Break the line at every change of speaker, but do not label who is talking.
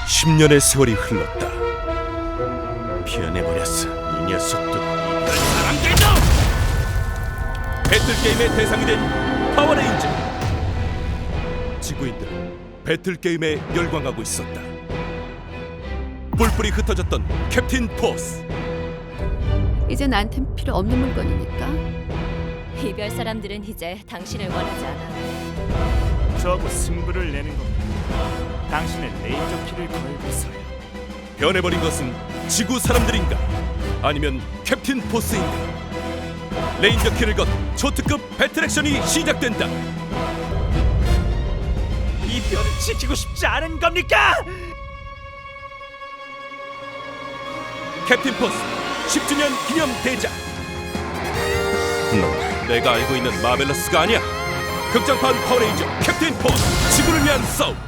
10년의 세월이 흘렀다. 피어내버렸어, 이 녀석도. 이별 사랑들도! 배틀게임의 대상이 된 파워레인저. 지구인들은 배틀게임에 열광하고 있었다. 뿔뿔이 흩어졌던 캡틴 포스.
이제 나한텐 필요 없는 물건이니까.
이별 사람들은 이제 당신을 원하지 않아.
저하고 승부를 내는 겁니다. 당신의 레이저 키를 걸고서요.
변해버린 것은 지구 사람들인가? 아니면 캡틴 포스인가? 레인저 키를 건 초특급 배틀 액션이 시작된다.
이 별을 지키고 싶지 않은 겁니까?
캡틴 포스 10주년 기념 대작. 넌 내가 알고 있는 마벨러스가 아니야. 극장판 파워레인저 캡틴 포스, 지구를 위한 싸움.